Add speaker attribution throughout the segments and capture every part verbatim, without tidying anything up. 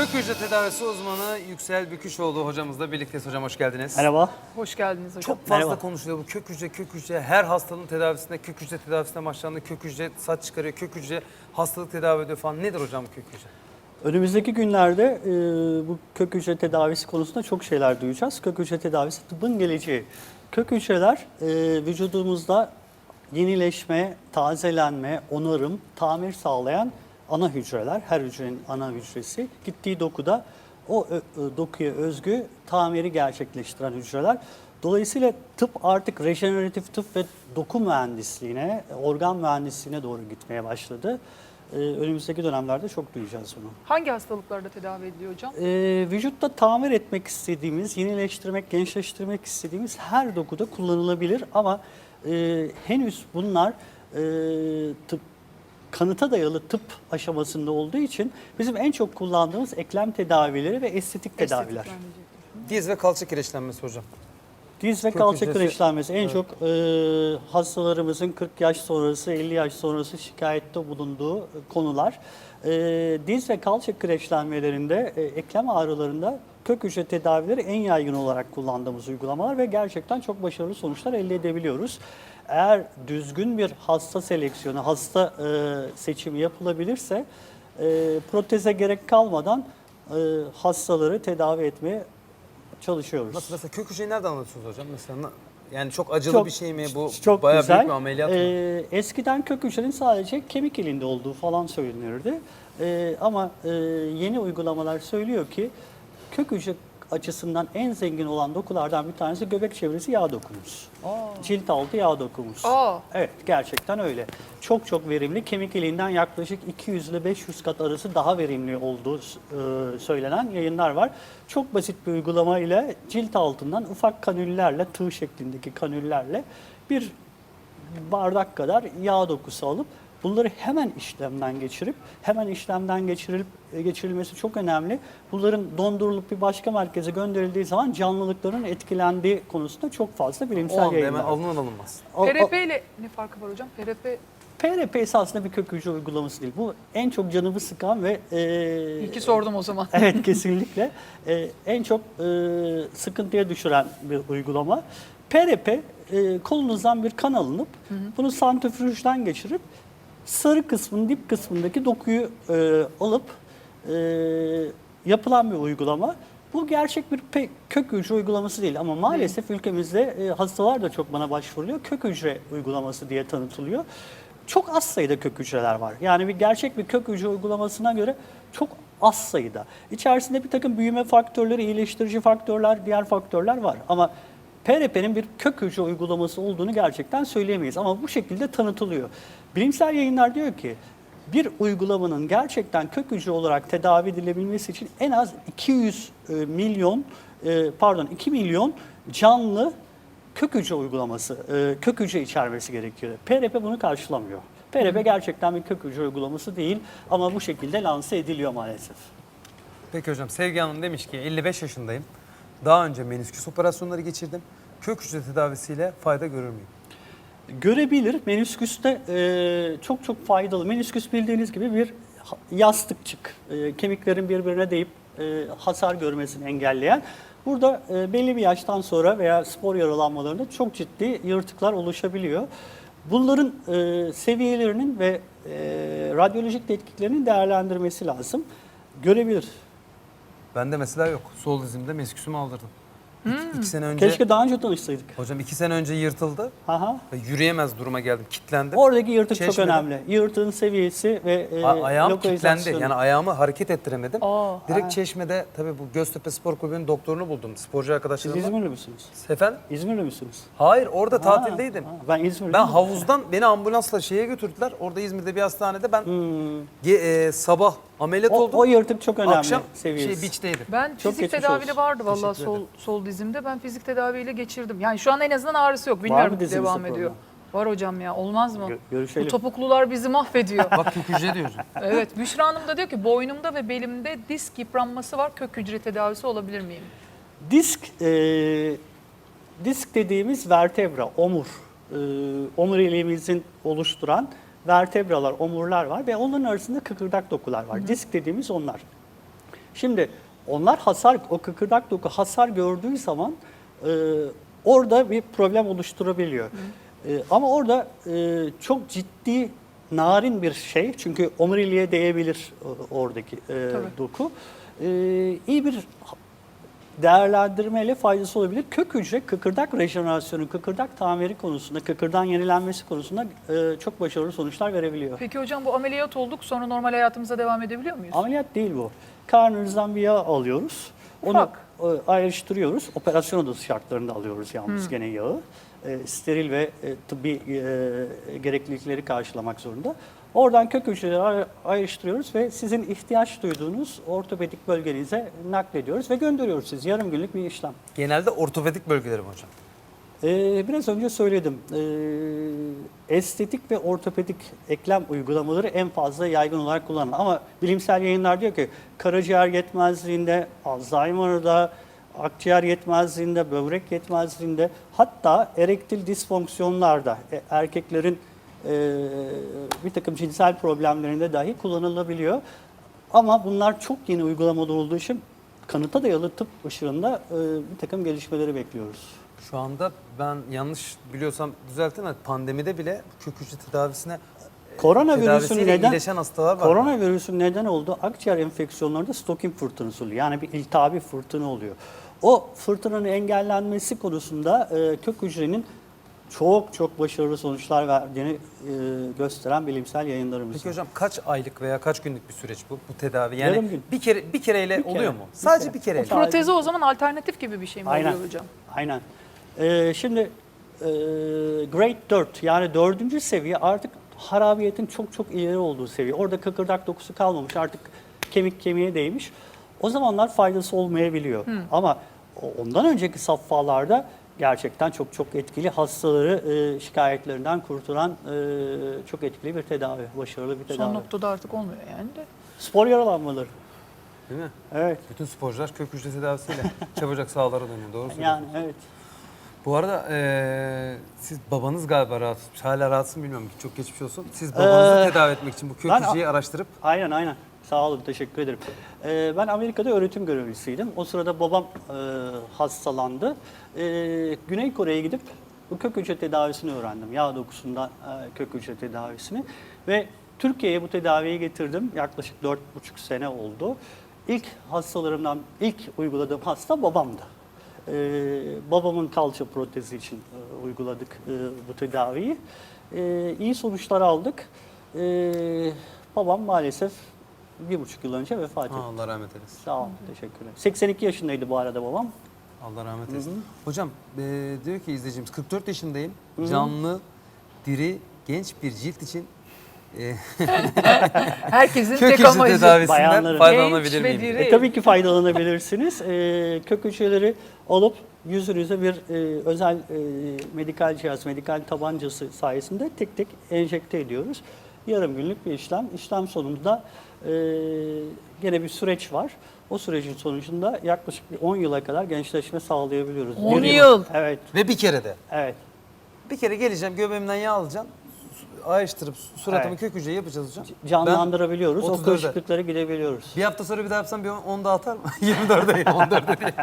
Speaker 1: Kök hücre tedavisi uzmanı Yüksel Büküşoğlu hocamızla birlikteyiz. Hocam hoş geldiniz.
Speaker 2: Merhaba.
Speaker 3: Hoş geldiniz hocam.
Speaker 1: Çok fazla
Speaker 2: Merhaba.
Speaker 1: konuşuluyor bu kök hücre, kök hücre. Her hastalığın tedavisinde kök hücre tedavisine başlandı. Kök hücre saç çıkarıyor, kök hücre hastalık tedavi ediyor falan. Nedir hocam bu kök hücre?
Speaker 2: Önümüzdeki günlerde e, bu kök hücre tedavisi konusunda çok şeyler duyacağız. Kök hücre tedavisi tıbbın geleceği. Kök hücreler e, vücudumuzda yenileşme, tazelenme, onarım, tamir sağlayan ana hücreler. Her hücrenin ana hücresi. Gittiği dokuda o ö, ö, dokuya özgü tamiri gerçekleştiren hücreler. Dolayısıyla tıp artık rejeneratif tıp ve doku mühendisliğine, organ mühendisliğine doğru gitmeye başladı. Ee, önümüzdeki dönemlerde çok duyacağız bunu.
Speaker 3: Hangi hastalıklarda tedavi ediliyor hocam?
Speaker 2: Ee, vücutta tamir etmek istediğimiz, yenileştirmek, gençleştirmek istediğimiz her dokuda kullanılabilir ama e, henüz bunlar e, tıp, kanıta dayalı tıp aşamasında olduğu için bizim en çok kullandığımız eklem tedavileri ve estetik tedaviler.
Speaker 3: Estetik diyecektim.
Speaker 1: Diz ve kalça kireçlenmesi hocam.
Speaker 2: Diz ve
Speaker 1: Kök
Speaker 2: kalça
Speaker 1: hücresi-
Speaker 2: kireçlenmesi en
Speaker 1: Evet.
Speaker 2: çok e, hastalarımızın kırk yaş sonrası, elli yaş sonrası şikayette bulunduğu konular. E, diz ve kalça kireçlenmelerinde, e, eklem ağrılarında kök hücre tedavileri en yaygın olarak kullandığımız uygulamalar ve gerçekten çok başarılı sonuçlar elde edebiliyoruz. Eğer düzgün bir hasta seleksiyonu, hasta e, seçimi yapılabilirse e, proteze gerek kalmadan e, hastaları tedavi etmeye çalışıyoruz.
Speaker 1: Nasıl mesela kök hücreyi nereden anlatıyorsunuz hocam? Mesela na- yani çok acılı
Speaker 2: Çok-
Speaker 1: bir şey mi bu?
Speaker 2: Çok
Speaker 1: Bayağı
Speaker 2: güzel.
Speaker 1: büyük bir ameliyat mı?
Speaker 2: Ee, eskiden kök hücrenin sadece kemik ilinde olduğu falan söylenirdi. Ee, ama e, yeni uygulamalar söylüyor ki kök hücre açısından en zengin olan dokulardan bir tanesi göbek çevresi yağ dokumuz.
Speaker 3: Aa.
Speaker 2: Cilt altı yağ dokumuz.
Speaker 3: Aa.
Speaker 2: Evet, gerçekten öyle. Çok çok verimli. Kemik iliğinden yaklaşık iki yüz ile beş yüz kat arası daha verimli olduğu e, söylenen yayınlar var. Çok basit bir uygulama ile cilt altından ufak kanüllerle, tığ şeklindeki kanüllerle bir bardak kadar yağ dokusu alıp bunları hemen işlemden geçirip, hemen işlemden geçirilip geçirilmesi çok önemli. Bunların dondurulup bir başka merkeze gönderildiği zaman canlılıkların etkilendiği konusunda çok fazla
Speaker 1: O
Speaker 2: bilimsel
Speaker 1: anda
Speaker 2: yayınlar
Speaker 1: hemen
Speaker 2: var.
Speaker 1: alınır alınmaz.
Speaker 2: O- o-
Speaker 3: P R P ile ne farkı var hocam? P R P
Speaker 2: P R P esasında bir kök hücre uygulaması değil. Bu en çok canımı sıkan ve e,
Speaker 3: İyi ki sordum o zaman.
Speaker 2: evet, kesinlikle e, en çok e, sıkıntıya düşüren bir uygulama. P R P e, kolunuzdan bir kan alınıp bunu santrifüjden geçirip sarı kısmın dip kısmındaki dokuyu e, alıp e, yapılan bir uygulama. Bu gerçek bir pe- kök hücre uygulaması değil ama maalesef ülkemizde e, hastalar da çok bana başvuruyor. Kök hücre uygulaması diye tanıtılıyor. Çok az sayıda kök hücreler var. Yani bir gerçek bir kök hücre uygulamasına göre çok az sayıda. İçerisinde bir takım büyüme faktörleri, iyileştirici faktörler, diğer faktörler var. Ama P R P'nin bir kök hücre uygulaması olduğunu gerçekten söyleyemeyiz. Ama bu şekilde tanıtılıyor. Bilimsel yayınlar diyor ki bir uygulamanın gerçekten kök hücre olarak tedavi edilebilmesi için en az iki yüz e, milyon e, pardon iki milyon canlı kök hücre uygulaması, e, kök hücre içermesi gerekiyor. P R P bunu karşılamıyor. P R P gerçekten bir kök hücre uygulaması değil ama bu şekilde lanse ediliyor maalesef.
Speaker 1: Peki hocam Sevgi Hanım demiş ki elli beş yaşındayım. Daha önce menisküs operasyonları geçirdim. Kök hücre tedavisiyle fayda görür müyüm?
Speaker 2: Görebilir. Menisküste e, çok çok faydalı. Menisküs bildiğiniz gibi bir ha- yastıkçık. E, kemiklerin birbirine değip e, hasar görmesini engelleyen. Burada e, belli bir yaştan sonra veya spor yaralanmalarında çok ciddi yırtıklar oluşabiliyor. Bunların e, seviyelerinin ve e, radyolojik tetkiklerinin değerlendirmesi lazım. Görebilir.
Speaker 1: Bende mesela yok. Sol dizimde menisküsümü aldırdım. İki, iki sene önce,
Speaker 2: Keşke daha önce tanışsaydık.
Speaker 1: hocam iki sene önce yırtıldı
Speaker 2: Aha.
Speaker 1: ve yürüyemez duruma geldim. Kilitlendim.
Speaker 2: Oradaki yırtık çok
Speaker 1: Çeşmede-
Speaker 2: önemli. Yırtığın seviyesi ve e,
Speaker 1: A- ayağım
Speaker 2: lokalizasyonu.
Speaker 1: kilitlendi. Yani ayağımı hareket ettiremedim.
Speaker 3: Aa,
Speaker 1: Direkt
Speaker 2: ha.
Speaker 1: Çeşme'de tabii bu Göztepe Spor Kulübü'nün doktorunu buldum. Sporcu
Speaker 2: Siz
Speaker 1: arkadaşlarımla.
Speaker 2: İzmirli misiniz?
Speaker 1: Efendim?
Speaker 2: İzmirli misiniz?
Speaker 1: Hayır orada
Speaker 2: Ha,
Speaker 1: tatildeydim.
Speaker 2: ha. Ben İzmirliyim.
Speaker 1: Ben havuzdan beni ambulansla şeye götürdüler. Orada İzmir'de bir hastanede ben
Speaker 2: Hmm.
Speaker 1: ge- e, sabah ameliyat
Speaker 2: O,
Speaker 1: oldum.
Speaker 2: o yırtık çok önemli
Speaker 1: Akşam
Speaker 2: seviyesi.
Speaker 1: şey beach'teydim.
Speaker 3: ben
Speaker 2: Çok
Speaker 3: fizik
Speaker 2: geçmiş
Speaker 3: tedaviyle
Speaker 2: olsun.
Speaker 3: vardı vallahi
Speaker 1: Teşekkür
Speaker 3: sol
Speaker 1: ederim.
Speaker 3: sol dizimde. Ben fizik tedaviyle geçirdim. Yani şu an en azından ağrısı yok. Bilmiyorum
Speaker 2: mı dizinizde
Speaker 3: devam
Speaker 2: problem?
Speaker 3: ediyor. Var hocam ya, olmaz mı?
Speaker 2: Gö-
Speaker 3: Bu
Speaker 2: görüşelim.
Speaker 3: topuklular bizi mahvediyor.
Speaker 1: Bak kök hücre diyor hocam.
Speaker 3: Evet, Büşra Hanım da diyor ki boynumda ve belimde disk yıpranması var. Kök hücre tedavisi olabilir miyim?
Speaker 2: Disk, e, disk dediğimiz vertebra, omur. E, omuriliğimizin oluşturan vertebralar, omurlar var ve onların arasında kıkırdak dokular var. Disk dediğimiz onlar. Şimdi onlar hasar, o kıkırdak doku hasar gördüğü zaman e, orada bir problem oluşturabiliyor. E, ama orada e, çok ciddi, narin bir şey. Çünkü omuriliğe değebilir e, oradaki e, doku. E, iyi bir değerlendirmeyle faydası olabilir. Kök hücre kıkırdak rejenerasyonu, kıkırdak tamiri konusunda, kıkırdağın yenilenmesi konusunda e, çok başarılı sonuçlar verebiliyor.
Speaker 3: Peki hocam bu ameliyat olduk sonra normal hayatımıza devam edebiliyor muyuz?
Speaker 2: Ameliyat değil bu. Karnınızdan bir yağ alıyoruz. Onu
Speaker 3: Ufak.
Speaker 2: e, ayrıştırıyoruz. Operasyon odası şartlarında alıyoruz yalnız
Speaker 3: Hmm.
Speaker 2: gene yağı. E, steril ve e, tıbbi e, gereklilikleri karşılamak zorunda. Oradan kök hücreleri ay- ayrıştırıyoruz ve sizin ihtiyaç duyduğunuz ortopedik bölgenize naklediyoruz ve gönderiyoruz siz. Yarım günlük bir işlem.
Speaker 1: Genelde ortopedik bölgeleri mi hocam?
Speaker 2: Ee, biraz önce söyledim. Ee, estetik ve ortopedik eklem uygulamaları en fazla yaygın olarak kullanılan. Ama bilimsel yayınlar diyor ki karaciğer yetmezliğinde, Alzheimer'da, akciğer yetmezliğinde, böbrek yetmezliğinde, hatta erektil disfonksiyonlarda e, erkeklerin e, bir takım cinsel problemlerinde dahi kullanılabiliyor. Ama bunlar çok yeni uygulamalar olduğu için kanıta dayalı tıp ışığında e, bir takım gelişmeleri bekliyoruz.
Speaker 1: Şu anda ben yanlış biliyorsam düzeltin ama pandemide bile kök hücre tedavisine
Speaker 2: Koronavirüsün
Speaker 1: tedavisiyle
Speaker 2: neden
Speaker 1: iyileşen hastalar var.
Speaker 2: Koronavirüsün neden olduğu akciğer enfeksiyonlarında Stocking fırtınası oluyor. Yani bir iltihabi fırtına oluyor. O fırtınanın engellenmesi konusunda e, kök hücrenin çok çok başarılı sonuçlar verdiğini e, gösteren bilimsel yayınlarımız
Speaker 1: Peki
Speaker 2: var.
Speaker 1: hocam kaç aylık veya kaç günlük bir süreç bu bu tedavi? Yani
Speaker 2: Yarım gün.
Speaker 1: bir kere bir kereyle
Speaker 2: Bir kere,
Speaker 1: oluyor mu?
Speaker 2: bir
Speaker 1: Sadece
Speaker 2: kere.
Speaker 1: bir kereyle.
Speaker 2: Sadece-
Speaker 3: Proteze o zaman alternatif gibi bir şey mi
Speaker 2: Aynen.
Speaker 3: oluyor hocam?
Speaker 2: Aynen. Ee, şimdi e, Grade dört yani dördüncü seviye artık harabiyetin çok çok ileri olduğu seviye. Orada kıkırdak dokusu kalmamış, artık kemik kemiğe değmiş. O zamanlar faydası olmayabiliyor. Ama o- ondan önceki safhalarda gerçekten çok çok etkili, hastaları e, şikayetlerinden kurtulan e, çok etkili bir tedavi, başarılı bir tedavi.
Speaker 3: Son noktada artık olmuyor yani de.
Speaker 2: Spor yaralanmaları.
Speaker 1: Değil mi?
Speaker 2: Evet.
Speaker 1: Bütün sporcular kök hücre tedavisiyle çabucak sahalara dönüyor. Doğru söylüyorsun.
Speaker 2: Yani evet.
Speaker 1: Bu arada eee, siz babanız galiba rahatsız. Hala rahatsız mı bilmiyorum. Çok geçmiş olsun. Siz babanızı
Speaker 2: Ee,
Speaker 1: tedavi etmek için bu kök
Speaker 2: ben-
Speaker 1: hücreyi araştırıp
Speaker 2: Aynen aynen. Sağ olun, teşekkür ederim. Ee, ben Amerika'da öğretim görevlisiydim. O sırada babam e, hastalandı. Ee, Güney Kore'ye gidip bu kök hücre tedavisini öğrendim. Yağ dokusundan e, kök hücre tedavisini. Ve Türkiye'ye bu tedaviyi getirdim. Yaklaşık dört buçuk sene oldu. İlk hastalarımdan, ilk uyguladığım hasta babamdı. Ee, babamın kalça protezi için e, uyguladık e, bu tedaviyi. Ee, iyi sonuçlar aldık. Ee, babam maalesef bir buçuk yıl önce vefat etti.
Speaker 1: Ha, Allah rahmet eylesin.
Speaker 2: Sağ olun, teşekkürler. seksen iki yaşındaydı bu arada babam.
Speaker 1: Allah rahmet eylesin. Hocam eee, diyor ki izleyicimiz kırk dört yaşındayım. Canlı, diri, genç bir cilt için eee
Speaker 3: Herkesin
Speaker 1: kök
Speaker 3: tek
Speaker 1: hücre
Speaker 3: amacı.
Speaker 1: tedavisinden
Speaker 2: bayanların-
Speaker 1: faydalanabilir
Speaker 3: Genç ve
Speaker 1: miyim?
Speaker 3: diri.
Speaker 2: E, tabii ki faydalanabilirsiniz. E, kök hücreleri alıp yüzünüze bir e, özel e, medikal cihaz, medikal tabancası sayesinde tek tek enjekte ediyoruz. Yarım günlük bir işlem. İşlem sonunda e, gene bir süreç var. O sürecin sonucunda yaklaşık bir on yıla kadar gençleşme sağlayabiliyoruz.
Speaker 3: on
Speaker 2: Bir
Speaker 3: yıl.
Speaker 2: Evet,
Speaker 1: Ve bir kere de.
Speaker 2: evet.
Speaker 1: Bir kere geleceğim göbeğimden yağ alacağım. su- Ayrıştırıp suratımı
Speaker 2: Evet.
Speaker 1: kök hücreyi yapacağız hocam.
Speaker 2: Canlandırabiliyoruz.
Speaker 1: Ben
Speaker 2: O
Speaker 1: otuz dörde
Speaker 2: kırışıklıkları gidebiliyoruz.
Speaker 1: Bir hafta sonra bir daha yapsam bir on daha atar mı? yirmi dörde on dörde diye.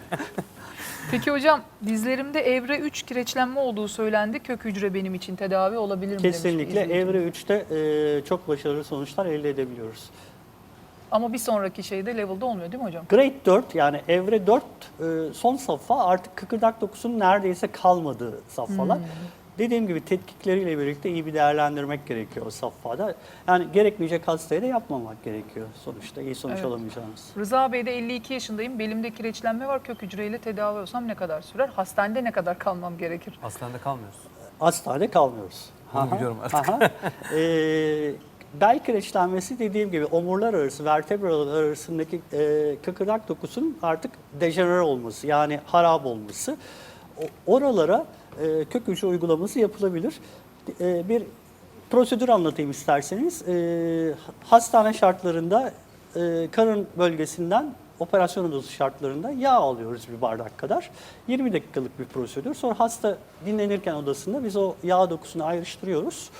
Speaker 3: Peki hocam dizlerimde evre üç kireçlenme olduğu söylendi. Kök hücre benim için tedavi olabilir mi demiş
Speaker 2: Kesinlikle
Speaker 3: izleyicimiz.
Speaker 2: evre üçte e, çok başarılı sonuçlar elde edebiliyoruz.
Speaker 3: Ama bir sonraki şeyde level'da olmuyor değil mi hocam?
Speaker 2: Grade dört yani evre dört e, son safha artık kıkırdak dokusunun neredeyse kalmadığı safhalar.
Speaker 3: Hmm.
Speaker 2: Dediğim gibi tetkikleriyle birlikte iyi bir değerlendirmek gerekiyor o safhada. Yani gerekmeyecek hastaya da yapmamak gerekiyor sonuçta iyi sonuç
Speaker 3: Evet.
Speaker 2: alamayacağınız.
Speaker 3: Rıza Bey de elli iki yaşındayım. Belimde kireçlenme var. Kök hücreyle tedavi olsam ne kadar sürer? Hastanede ne kadar kalmam gerekir?
Speaker 1: Hastanede kalmıyoruz.
Speaker 2: Hastanede kalmıyoruz.
Speaker 1: Bunu
Speaker 2: Aha,
Speaker 1: biliyorum artık.
Speaker 2: aha. Ee, bel kireçlenmesi dediğim gibi omurlar arası, vertebralar arasındaki e, kıkırdak dokusunun artık dejenere olması, yani harap olması. O- oralara e, kök hücre uygulaması yapılabilir. E, bir prosedür anlatayım isterseniz. E, hastane şartlarında e, karın bölgesinden operasyon odası şartlarında yağ alıyoruz bir bardak kadar. yirmi dakikalık bir prosedür. Sonra hasta dinlenirken odasında biz o yağ dokusunu ayrıştırıyoruz.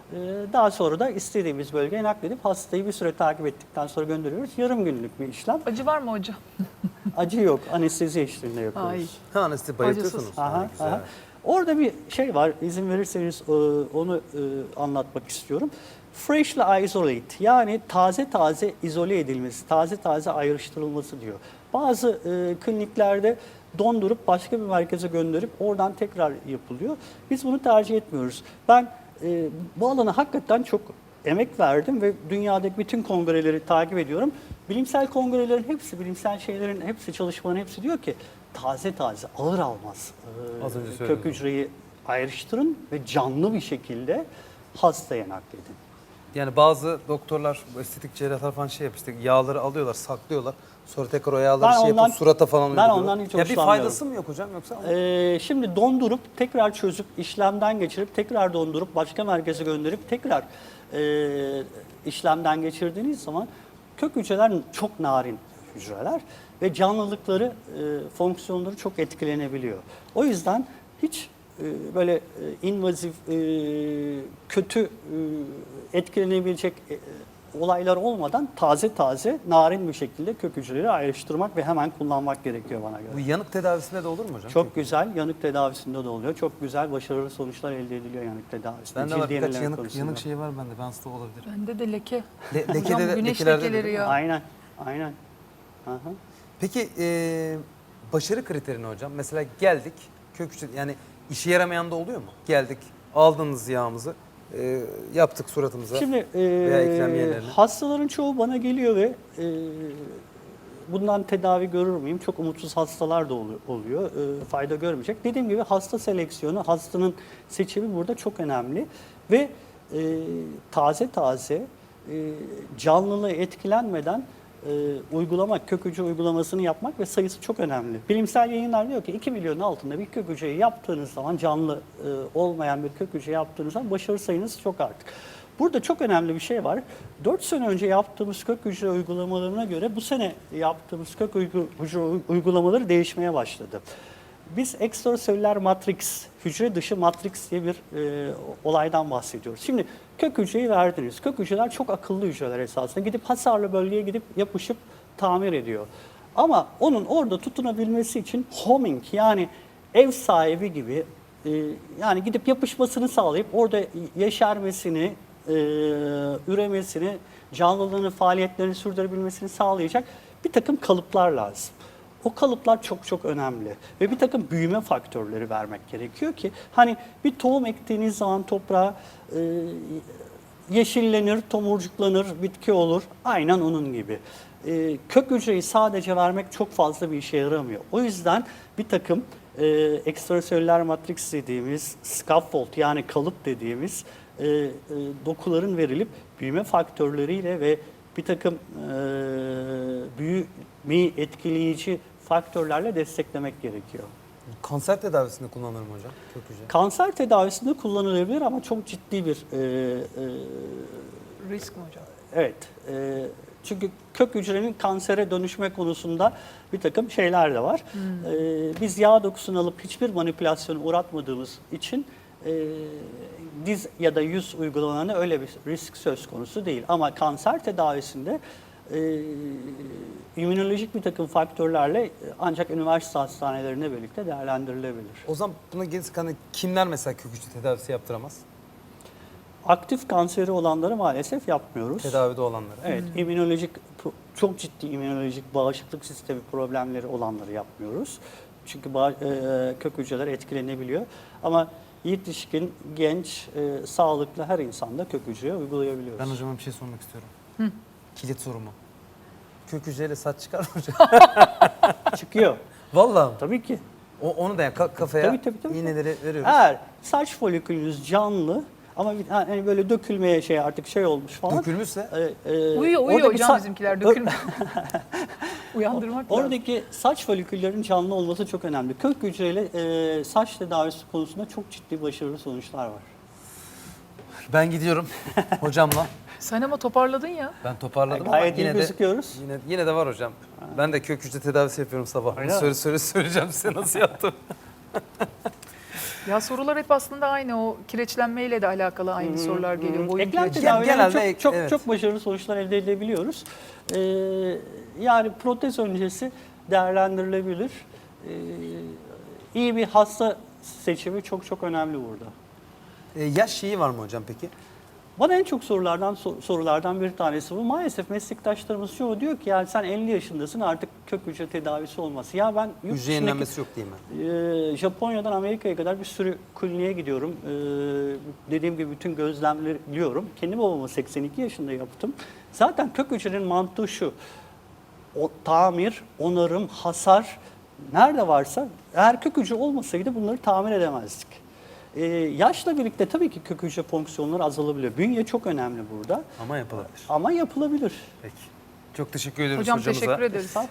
Speaker 2: Ee, Daha sonra da istediğimiz bölgeye nakledip hastayı bir süre takip ettikten sonra gönderiyoruz. Yarım günlük bir işlem.
Speaker 3: Acı var mı hocam?
Speaker 2: Acı yok, anestezi eşliğinde yapıyoruz.
Speaker 3: Ay.
Speaker 1: Ha, anestezi bayıltıyorsunuz.
Speaker 2: Aha,
Speaker 1: Ha, güzel.
Speaker 2: aha. Orada bir şey var, izin verirseniz e, onu e, anlatmak istiyorum. Freshly isolate, yani taze taze izole edilmesi, taze taze ayrıştırılması diyor. Bazı e, kliniklerde dondurup başka bir merkeze gönderip oradan tekrar yapılıyor. Biz bunu tercih etmiyoruz. Ben e, bu alana hakikaten çok emek verdim ve dünyadaki bütün kongreleri takip ediyorum. Bilimsel kongrelerin hepsi, bilimsel şeylerin hepsi, çalışmaların hepsi diyor ki taze taze, ağır almaz. Ee,
Speaker 1: Az önce
Speaker 2: kök
Speaker 1: söyledim.
Speaker 2: hücreyi ayrıştırın ve canlı bir şekilde hastaya nakledin.
Speaker 1: Yani bazı doktorlar, bu estetik cerrahlar falan şey yapıyor, işte yağları alıyorlar, saklıyorlar. Sonra tekrar o yağları
Speaker 2: Ben
Speaker 1: şey
Speaker 2: ondan-
Speaker 1: yapıp surata falan
Speaker 2: ben
Speaker 1: uyguluyorlar.
Speaker 2: ondan hiç
Speaker 1: Ya bir
Speaker 2: hoşlanmıyorum.
Speaker 1: faydası mı yok hocam yoksa?
Speaker 2: Ee, şimdi dondurup, tekrar çözüp, işlemden geçirip, tekrar dondurup, başka merkeze gönderip, tekrar e, işlemden geçirdiğiniz zaman kök hücreler çok narin hücreler ve canlılıkları, e, fonksiyonları çok etkilenebiliyor. O yüzden hiç e, böyle e, invazif, e, kötü e, etkilenebilecek e, olaylar olmadan taze taze, narin bir şekilde kök hücreleri ayrıştırmak ve hemen kullanmak gerekiyor bana göre.
Speaker 1: Bu yanık tedavisinde de olur mu hocam?
Speaker 2: Çok güzel, yanık tedavisinde de oluyor. Çok güzel, başarılı sonuçlar elde ediliyor yanık tedavisinde.
Speaker 1: Bende var
Speaker 2: Cildi
Speaker 1: birkaç
Speaker 2: yenileme
Speaker 1: yanık,
Speaker 2: konusunda.
Speaker 1: yanık şey var bende. Ben hasta olabilirim.
Speaker 3: Bende de leke.
Speaker 1: Le, lekede
Speaker 3: Hocam
Speaker 1: de,
Speaker 3: güneş
Speaker 1: lekelerde de
Speaker 3: lekeleri
Speaker 1: değil mi?
Speaker 3: ya.
Speaker 2: Aynen, aynen. Aha.
Speaker 1: Peki e, başarı kriterini hocam? Mesela geldik, kök hücre, yani işe yaramayan da oluyor mu? Geldik, aldınız yağımızı, e, yaptık suratımıza.
Speaker 2: Şimdi
Speaker 1: veya eklem
Speaker 2: e,
Speaker 1: yerlerine.
Speaker 2: hastaların çoğu bana geliyor ve e, bundan tedavi görür müyüm? Çok umutsuz hastalar da olu- oluyor. E, fayda görmeyecek. Dediğim gibi hasta seleksiyonu, hastanın seçimi burada çok önemli. Ve e, taze taze e, canlılığı etkilenmeden e, uygulamak, kök hücre uygulamasını yapmak ve sayısı çok önemli. Bilimsel yayınlar diyor ki iki milyonun altında bir kök hücreyi yaptığınız zaman, canlı e, olmayan bir kök hücre yaptığınız zaman başarı sayınız çok artık. Burada çok önemli bir şey var. dört sene önce yaptığımız kök hücre uygulamalarına göre bu sene yaptığımız kök uygu- hücre uygulamaları değişmeye başladı. Biz ekstraselüler matrix, hücre dışı matrix diye bir e, olaydan bahsediyoruz. Şimdi kök hücreyi verdiniz. Kök hücreler çok akıllı hücreler esasında. Gidip hasarlı bölgeye gidip yapışıp tamir ediyor. Ama onun orada tutunabilmesi için homing, yani ev sahibi gibi, e, yani gidip yapışmasını sağlayıp orada yeşermesini, e, üremesini, canlılığını, faaliyetlerini sürdürebilmesini sağlayacak bir takım kalıplar lazım. O kalıplar çok çok önemli ve bir takım büyüme faktörleri vermek gerekiyor ki hani bir tohum ektiğiniz zaman toprağa e, yeşillenir, tomurcuklanır, bitki olur. Aynen onun gibi. E, kök hücreyi sadece vermek çok fazla bir işe yaramıyor. O yüzden bir takım e, ekstraselüler matrix dediğimiz, scaffold yani kalıp dediğimiz e, e, dokuların verilip büyüme faktörleriyle ve bir takım e, büyümeyi etkileyici faktörlerle desteklemek gerekiyor.
Speaker 1: Kanser tedavisinde kullanılır mı hocam kök hücre?
Speaker 2: Kanser tedavisinde kullanılabilir ama çok ciddi bir e, e,
Speaker 3: Risk mi hocam?
Speaker 2: evet. E, çünkü kök hücrenin kansere dönüşme konusunda bir takım şeyler de var.
Speaker 3: Hmm.
Speaker 2: E, biz yağ dokusunu alıp hiçbir manipülasyona uğratmadığımız için e, diz ya da yüz uygulamalarında öyle bir risk söz konusu değil. Ama kanser tedavisinde e, immünolojik bir takım faktörlerle ancak üniversite hastanelerinde birlikte değerlendirilebilir.
Speaker 1: O zaman buna gelirse hani kimler mesela kök hücre tedavisi yaptıramaz?
Speaker 2: Aktif kanseri olanları maalesef yapmıyoruz.
Speaker 1: Tedavide olanları.
Speaker 2: Evet, immünolojik, çok ciddi immünolojik bağışıklık sistemi problemleri olanları yapmıyoruz. Çünkü bağ- e, kök hücreler etkilenebiliyor. Ama yetişkin, genç, e, sağlıklı her insanda kök hücreye uygulayabiliyoruz.
Speaker 1: Ben hocama bir şey sormak istiyorum. Kilit sorumu. Kök hücreyle saç çıkar mı hocam?
Speaker 2: Çıkıyor.
Speaker 1: Vallahi mi?
Speaker 2: Tabii ki.
Speaker 1: O, onu da yani ka- kafaya
Speaker 2: Tabii, tabii, tabii.
Speaker 1: iğneleri veriyoruz.
Speaker 2: Eğer saç folikülünüz canlı ama bir- hani böyle dökülmeye şey artık şey olmuş falan.
Speaker 1: Dökülmüşse
Speaker 2: e, e,
Speaker 3: Uyuyor uyuyor
Speaker 2: oradaki
Speaker 3: hocam
Speaker 2: sa-
Speaker 3: bizimkiler
Speaker 2: Ö-
Speaker 3: dökülmüyor. Uyandırmak lazım.
Speaker 2: Oradaki saç foliküllerin canlı olması çok önemli. Kök hücreyle e, saç tedavisi konusunda çok ciddi başarılı sonuçlar var.
Speaker 1: ben gidiyorum hocamla.
Speaker 3: Sen ama toparladın ya.
Speaker 1: Ben toparladım
Speaker 2: Gayet
Speaker 1: ama
Speaker 2: iyi
Speaker 1: yine de,
Speaker 2: gözüküyoruz.
Speaker 1: yine, yine de var hocam. Ben de kök hücre tedavisi yapıyorum sabah.
Speaker 2: Öyle
Speaker 1: Bunu
Speaker 2: mi?
Speaker 1: söyle, söyle, söyleyeceğim size nasıl yaptım.
Speaker 3: Ya sorular hep aslında aynı. O kireçlenmeyle de alakalı aynı sorular geliyor. Boyun
Speaker 2: Eklem
Speaker 3: kireçlenmesi.
Speaker 2: tedavilerinde
Speaker 1: Genelde
Speaker 2: çok,
Speaker 1: ek-
Speaker 2: çok,
Speaker 1: evet.
Speaker 2: çok başarılı sonuçlar elde edebiliyoruz. Ee, yani protez öncesi değerlendirilebilir. Ee, iyi bir hasta seçimi çok çok önemli burada.
Speaker 1: E, yaş şeyi var mı hocam peki?
Speaker 2: Bana en çok sorulardan so- sorulardan bir tanesi bu. Maalesef meslektaşlarımız çoğu diyor ki yani sen elli yaşındasın artık kök hücre tedavisi olması. Ya ben yurt
Speaker 1: Hücre
Speaker 2: dışındaki-
Speaker 1: yenilenmesi yok değil mi?
Speaker 2: Ee, Japonya'dan Amerika'ya kadar bir sürü kliniğe gidiyorum. Ee, dediğim gibi bütün gözlemliyorum. Kendi babamı seksen iki yaşında yaptım. Zaten kök hücrenin mantığı şu. O, tamir, onarım, hasar nerede varsa eğer kök hücre olmasaydı bunları tamir edemezdik. Ee, yaşla birlikte tabii ki kök hücre fonksiyonları azalabiliyor. Bünye çok önemli burada
Speaker 1: Ama yapılabilir.
Speaker 2: ama yapılabilir.
Speaker 1: Peki. Çok teşekkür ediyoruz
Speaker 3: Hocam
Speaker 1: hocamıza.
Speaker 3: teşekkür ederiz.